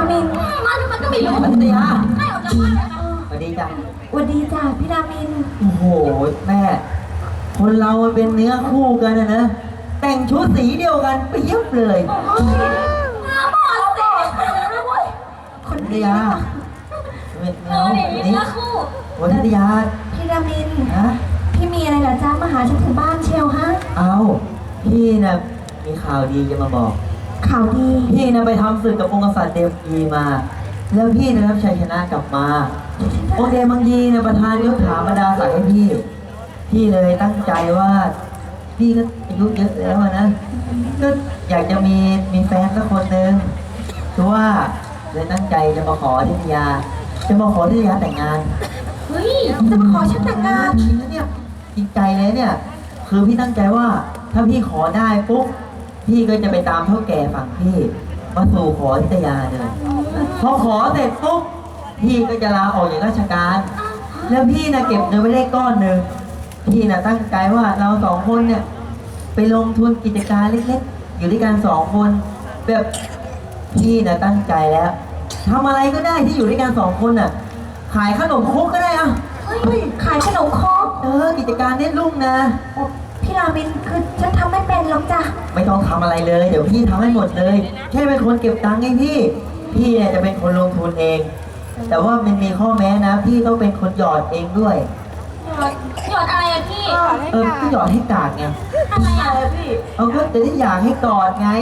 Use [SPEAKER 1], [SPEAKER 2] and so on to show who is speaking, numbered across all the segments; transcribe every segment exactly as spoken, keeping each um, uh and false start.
[SPEAKER 1] มิน
[SPEAKER 2] มาทำไมก็ไม่รู้
[SPEAKER 3] พัทยา
[SPEAKER 2] ให้ออกจากบ้านเลยนะ
[SPEAKER 3] สวัสดีจ้ะ
[SPEAKER 1] สวัสดีจ้าพี่รามิน
[SPEAKER 3] โอ้โหแม่ คนเรามันเป็นเนื้อคู่กันนะนะแต่งชุดสีเดียวกันไปเย็บเลย
[SPEAKER 2] โอ้ยหน้าบอดสินะเว้ย
[SPEAKER 1] คน
[SPEAKER 3] พัท
[SPEAKER 1] ดี
[SPEAKER 3] ยา
[SPEAKER 2] เออเนี่ยมีเนื้อคู่
[SPEAKER 3] วันพัทยา
[SPEAKER 1] พี่รามิน
[SPEAKER 3] ฮะ
[SPEAKER 1] พี่มีอะไรเหรอจ้ามาหาฉันถึงบ้านเชียวฮะ
[SPEAKER 3] เอาพี่นะมีข่าวดีจะมาบอก
[SPEAKER 1] ข่าวดี
[SPEAKER 3] พี่นะไปทำศึกกับองค์กษัตริย์เดมยีมา แล้วพี่ได้รับชัยชนะกลับมาองค์เดมังยีนะประทานยศถาบรรดาศักดิ์ให้พี่ พี่เลยตั้งใจว่า พี่ก็อายุเยอะแล้วอะนะก็อยากจะมีมีแฟนสักคนหนึ่งคือว่าเลยตั้งใจจะมาขอทิทยา จะมาขอทิทยาแต่งงาน
[SPEAKER 2] เฮ้ย
[SPEAKER 1] จะมาขอฉันแต่งงาน
[SPEAKER 3] จริงนะเนี่ยจริงใจเลยเนี่ย คือพี่ตั้งใจว่า ถ้าพี่ขอได้ปุ๊บพี่ก็จะไปตามเท่าแก่ฝั่งพี่มาสู่ขอทิทยาเลยพอขอเสร็จปุ๊บพี่ก็จะลาออกจากราชการ แล้วพี่นะเก็บเงินไว้ได้ก้อนหนึ่งพี่นะตั้งใจว่าเราสองคนเนี่ย ไปลงทุนกิจการเล็กๆ อยู่ด้วยกันสองคนแบบพี่นะตั้งใจแล้วทำอะไรก็ได้ที่อยู่ด้วยกันสองคนน่ะ ขายขนมครกก็ได้อะ
[SPEAKER 1] เฮ้ยขายขนมครก
[SPEAKER 3] เออกิจการเน็ตลุ่งนะ
[SPEAKER 1] พี่รามินคือฉันทำไม่เป็นหรอกจ้ะ
[SPEAKER 3] ไม่ต้องทำอะไรเลย เดี๋ยวพี่ทำให้หมดเลย แค่เป็นคนเก็บตังค์ให้พี่ พี่เนี่ยจะเป็นคนลงทุนเอง แต่ว่ามันมีข้อแม้นะ พี่ต้องเป็นคนหยอดเองด้วย
[SPEAKER 2] หยอดหยอดอะไรอะพี่
[SPEAKER 3] เออพี่หยอดให้กากไง
[SPEAKER 2] อะไรอะพี่
[SPEAKER 3] เอาก็จะได้อยากให้กอดไง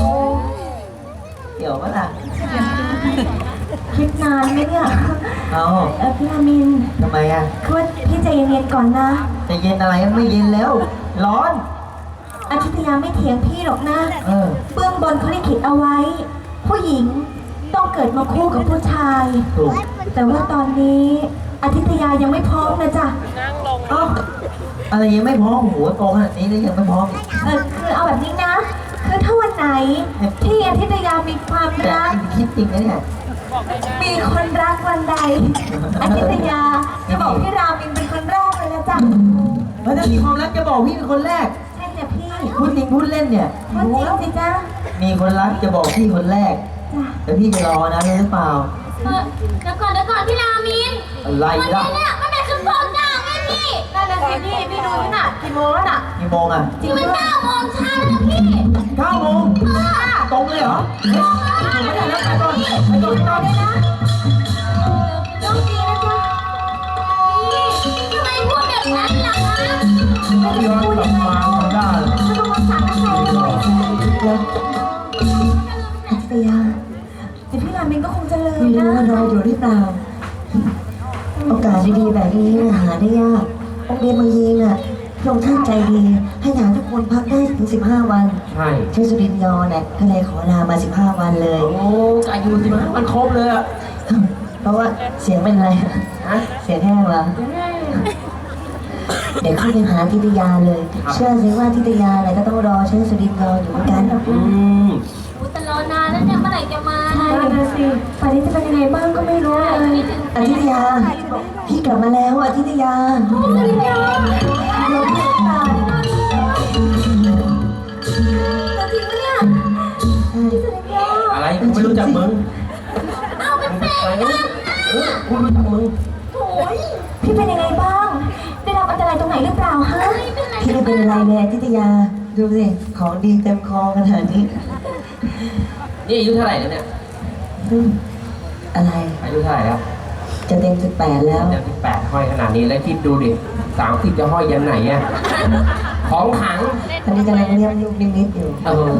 [SPEAKER 3] เดี๋ยวมาล่ะ
[SPEAKER 1] คิดนานไหมเนี่ย
[SPEAKER 3] เอา
[SPEAKER 1] เออพี่รามิน
[SPEAKER 3] ทำไมอ่ะ
[SPEAKER 1] คือว่าพี่ใจเย็นๆก่อนนะ
[SPEAKER 3] จะเย็นอะไรไม่เย็นแล้ว ร้อน
[SPEAKER 1] อาทิตยาไม่เถียงพี่หรอกนะ
[SPEAKER 3] เออ
[SPEAKER 1] เบื้องบนเขาได้เขียนเอาไว้ ผู้หญิงต้องเกิดมาคู่กับผู้ชาย
[SPEAKER 3] ถูก
[SPEAKER 1] แต่ว่าตอนนี้อาทิตยายังไม่พร้อมนะจ๊ะ
[SPEAKER 3] เอ้าอะไรยังไม่พร้อมหัวโตขนาดนี้แล้วยังไม่พร้อม
[SPEAKER 1] เออคือเอาแบบนี้นะ คือถ้าวันไหนที่อาทิตยามีความ
[SPEAKER 3] แต่
[SPEAKER 1] รัก
[SPEAKER 3] คิดจริงนะเนี่ย
[SPEAKER 1] มีคนรักวันใด อาทิตยาจะบอกพี่รามินเป็นคนแรกเลยนะจ๊ะ
[SPEAKER 3] แล้วถ้ามีความรักจะบอกพี่เป็นคนแรก
[SPEAKER 1] ใช่จ้ะพี่
[SPEAKER 3] พูดจริงพูดเล่นเนี่ย
[SPEAKER 1] พูดจริงสิจ๊ะ
[SPEAKER 3] มีคนรักจะบอกพี่คนแรก
[SPEAKER 1] จ้ะ
[SPEAKER 3] แต่พี่จะรอนะรู้หรือเปล่า
[SPEAKER 2] เออเดี๋ยวก่อนเดี๋ยวก่อนพี่รามิน
[SPEAKER 3] อะไร
[SPEAKER 2] วัน
[SPEAKER 3] ล่ะ
[SPEAKER 2] นี้เนี่ยมันเป็นคืนโปงจ้างไงพี่
[SPEAKER 1] นั่นน่ะสิพี่พี่ดูนี่น่ะกี่โมงแล้วน่ะ
[SPEAKER 3] กี่โมงอ่ะ
[SPEAKER 2] นี่มันเก้าโมงเช้าแล้วพี่
[SPEAKER 3] เก้าโมงตรงเลยเหรอเฮ้ยไม่ได้แล้วไปก่อนไปก่อนไปก่อน
[SPEAKER 1] ได้นะโชคดีนะจ๊ะ
[SPEAKER 2] พี่ทำไมพูดแบบนั้นล่ะคะ
[SPEAKER 1] ไม่ได้พูดยังไงหรอกถ้าต้องรักษาน้ำใจกันหน่อยเดี๋ยวอาทิตยาเดี๋ยวพี่รามินก็คงจะลืม
[SPEAKER 4] ไม่รู้
[SPEAKER 1] นะ
[SPEAKER 4] ว่ารออยู่หรือเปล่า โอกาสดีๆแบบนี้น่ะหาได้ยากองค์เดชบางยีน่ะพระองค์ท่านใจดี ให้ทหารทุกคนพักได้ถึงสิบห้าวัน
[SPEAKER 3] ใช่
[SPEAKER 4] เช่นสุรินทร์ยอเนี่ยก็เลยขอลามาสิบห้าวันเลย
[SPEAKER 3] โอ้อายุสิบห้ามันครบเลยอ่ะ
[SPEAKER 4] เพราะว่าเสียงเป็นอะไร
[SPEAKER 3] ฮะ
[SPEAKER 4] เสียงแห้งเหรอเดี๋ยวเข้าไปหาทิตยาเลย เชื่อสิว่าทิตยาเนี่ยก็ต้องรอเช่นสุรินทร์ยออยู่เหมือนกัน
[SPEAKER 3] อืม
[SPEAKER 2] อุ๊ยแต่รอนานแล้วเนี่ยเมื่อไหร่จะมา
[SPEAKER 1] ใช่นะสิป่านนี้จะเป็นยังไงบ้างก็ไม่รู้เลย
[SPEAKER 4] อาทิตยา พี่กลับมาแล้วอาทิตยา
[SPEAKER 1] สุริยาเราพี่ตายเราจริงปะเนี่ยพี่สุริยา
[SPEAKER 3] อะไรกูไม่รู้จักมึง
[SPEAKER 2] เอาเป็นแฟนกัน
[SPEAKER 3] เออกูรู้จักมึง
[SPEAKER 2] โอ้ย
[SPEAKER 1] พี่เป็นยังไงบ้าง ได้รับอันตรายตรงไหนหรือเปล่าฮะ
[SPEAKER 2] ไม่เป็นไร
[SPEAKER 4] พี่ไม่เป็นอะไรเลยอาทิตยา ดูสิ ของดีเต็มคอขนาดนี้
[SPEAKER 3] นี่อายุเท่าไหร่แล้วเนี่ย
[SPEAKER 4] อืมอะไร
[SPEAKER 3] อายุเท่าไหร่แล้ว
[SPEAKER 4] จะเต็มสิบแปดแล้ว
[SPEAKER 5] เดี๋ยวที่แปดห้อยขนาดนี้แล้วคิดดูดิสามสิบจะห้อยยันไหนอะของขัง
[SPEAKER 4] อันนี้กำลังเลี้ยงลูกนิมิตอยู่
[SPEAKER 5] เออ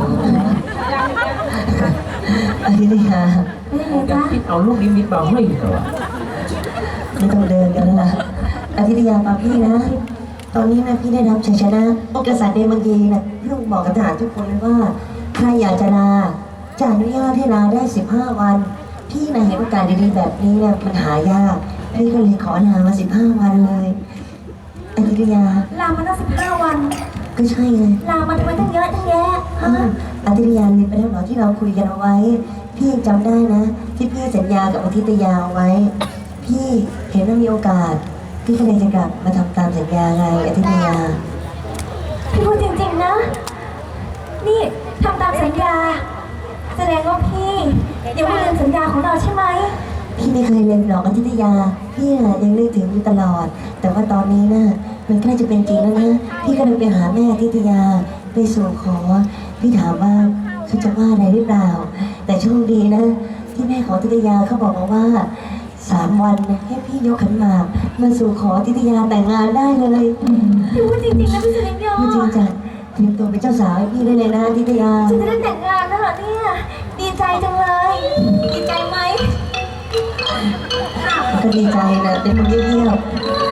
[SPEAKER 4] อาทิตยา
[SPEAKER 1] เป็นยังไง
[SPEAKER 5] จะ
[SPEAKER 1] จ๊ะ
[SPEAKER 5] คิดเอาลูกนิมิตมาห้อยเหรอ
[SPEAKER 4] ไม่ต้องเดินกันแล้วล่ะอาทิตยาปาพี่นะ ตอนนี้นะพี่ได้รับชัยชนะองค์กษัตริย์เดมังยีนะพี่ต้องบอกกับทหารทุกคนเลยว่าใครอยากจะลาจะอนุญาตให้ลาได้สิบห้าวัน พี่นะเห็นโอกาสดีๆแบบนี้เนี่ยมันหายาก พี่ก็เลยขอลามาสิบห้าวันเลยอาทิตยา
[SPEAKER 1] ลามาตั้งสิบห้าวัน
[SPEAKER 4] ก็ใช่ไง
[SPEAKER 1] ลามาทำไมตั้งเยอะตั้งแยะ
[SPEAKER 4] อ้า
[SPEAKER 1] ฮะ
[SPEAKER 4] วอาทิตยาลืมไปแล้วเหรอที่เราคุยกันเอาไว้ พี่ยังจำได้นะ ที่พี่สัญญากับอาทิตยาเอาไว้ พี่เห็นว่ามีโอกาส พี่ก็เลยจะกลับมาทำตามสัญญาไงอาทิตยา
[SPEAKER 1] พี่พูดจริงๆนะ นี่ทำตามสัญญา แสดงว่าพี่ยังไม่ลืมสัญญาของเราใช่ไหม
[SPEAKER 4] พี่ไม่เคยลืมหรอกอธิตยา พี่น่ะยังนึกถึงอยู่ตลอด แต่ว่าตอนนี้น่ะมันใกล้จะเป็นจริงแล้วนะ พี่ก็เลยไปหาแม่อธิตยาไปสู่ขอ พี่ถามว่าเขาจะว่าอะไรหรือเปล่า แต่โชคดีนะ ที่แม่ของอธิตยาเขาบอกมาว่าสามวันให้พี่ยกขันหมากมาสู่ขออธิตยาแต่งงานได้เลย
[SPEAKER 1] พี่พูดจริงๆนะพี่สุรินทร์ยอ
[SPEAKER 4] พูดจริงจังเตรียมตัวเป็นเจ้าสาวให้พี่ได้เลยนะอธิตยา
[SPEAKER 1] ฉันจะได้แต่งงานแล้วเหรอเนี่ย ดีใจจังเลย ดีใจไหม
[SPEAKER 4] ก็ดีใจนะเป็นคนเยี่ยม